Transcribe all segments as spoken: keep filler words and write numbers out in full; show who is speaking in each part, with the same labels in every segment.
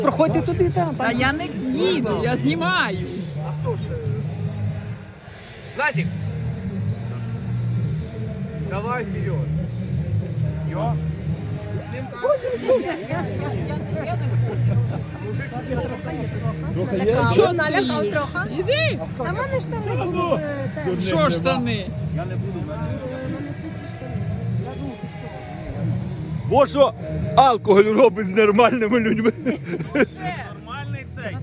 Speaker 1: Проходьте туди, там.
Speaker 2: Та я не їду, я знімаю.
Speaker 1: А хто ж? Надік! Давай вперед. Йо.
Speaker 2: Що налякав трохи? Іди.
Speaker 3: А в мене штани були.
Speaker 2: Що штани?
Speaker 4: Бо що алкоголь робить з нормальними людьми.
Speaker 1: Нормальний цей.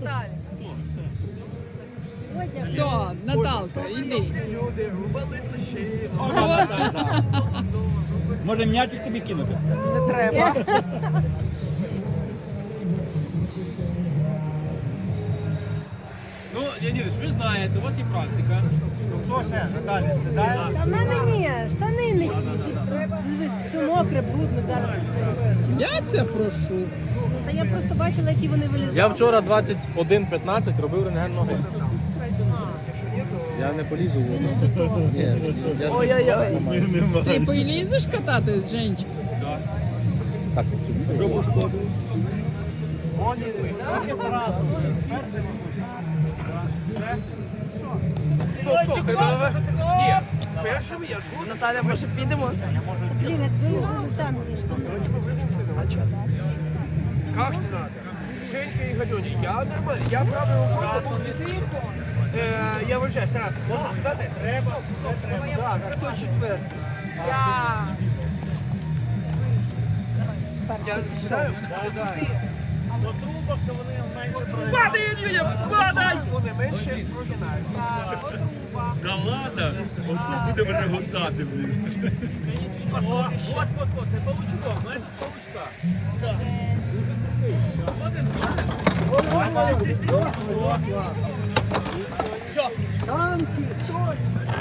Speaker 2: Хто? Наталка, іди.
Speaker 1: Люди рубали плечі.
Speaker 4: Може м'ячик тобі кинути?
Speaker 2: Не треба.
Speaker 4: Ну, Леонідович, ви знаєте, у вас є практика.
Speaker 1: Хто ще? Наталя, сідає?
Speaker 3: Та в мене ні, штани не ті. Дивись, все мокре, брудне зараз.
Speaker 2: Я це прошу.
Speaker 3: Та я просто бачила, які вони вилізали.
Speaker 5: Я вчора двадцять один п'ятнадцять робив рентген ноги. Я не полізу в воду. Ні, я
Speaker 2: Ой-ой-ой. Ти полізеш кататись, Женечка?
Speaker 5: так
Speaker 4: Що пошкодив?
Speaker 1: Стоп, стоп, ні. Першим я буду. Наталя, може підемо?
Speaker 3: Блін, як виїжджали, там є штани.
Speaker 1: Как не надо? Женька и Галюня, я нормально, я правой рукой побув вести. Э, я вважаю, Тарас, можна сідати? Треба. Так, а хто четвертий? Я. Я сідаю? По трубах, то вони менше... Падай, Юля, падай! Вони менше прогинають.
Speaker 4: Да ладно, ось тут буде мене гортати, блін.
Speaker 1: От, от, от, це павучком, знаєте, павучка. Все. Танки, стой!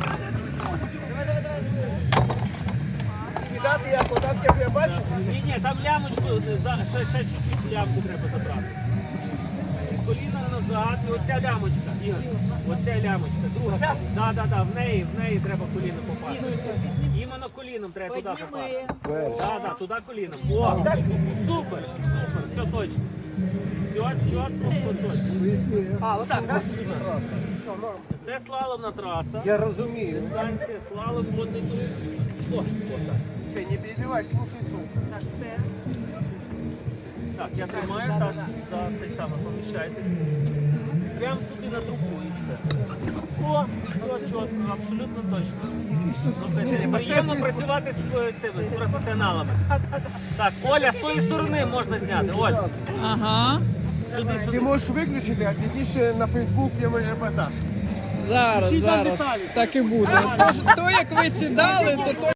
Speaker 1: Сідати як, отак як я бачу?
Speaker 6: Ні, ні, там лямочку, за- ще, ще чуть-чуть лямку треба забрати. Коліна назад, і оця лямочка, Ігор, оця лямочка, друга. Так, да, да, да, в неї, в неї треба коліном попасти. Іменно коліном треба туди попасти. Да, да, туди коліном. О, супер, супер, все точно. Все чітко, все точно.
Speaker 1: А, отак, так?
Speaker 6: Це слаломна траса.
Speaker 1: Я розумію.
Speaker 6: Дистанція, слалом, водний туризм. О, отак.
Speaker 1: Ти не перебивай, слушай звук.
Speaker 3: Так, все.
Speaker 6: Так, я тримаю, так, за цей саме поміщайтесь. Прямо туди на трубу і все. О, все чітко, абсолютно точно. Ну, приємно працювати з е, цими з професіоналами. Так, Оля, з тої сторони можна зняти. Оль,
Speaker 2: Ага.
Speaker 6: сюди,
Speaker 1: Ти
Speaker 6: сюди.
Speaker 1: можеш виключити, а пізніше на Фейсбук є мій репортаж.
Speaker 2: Зараз, зараз. Так і буде. Тож, то, як ви сідали, то то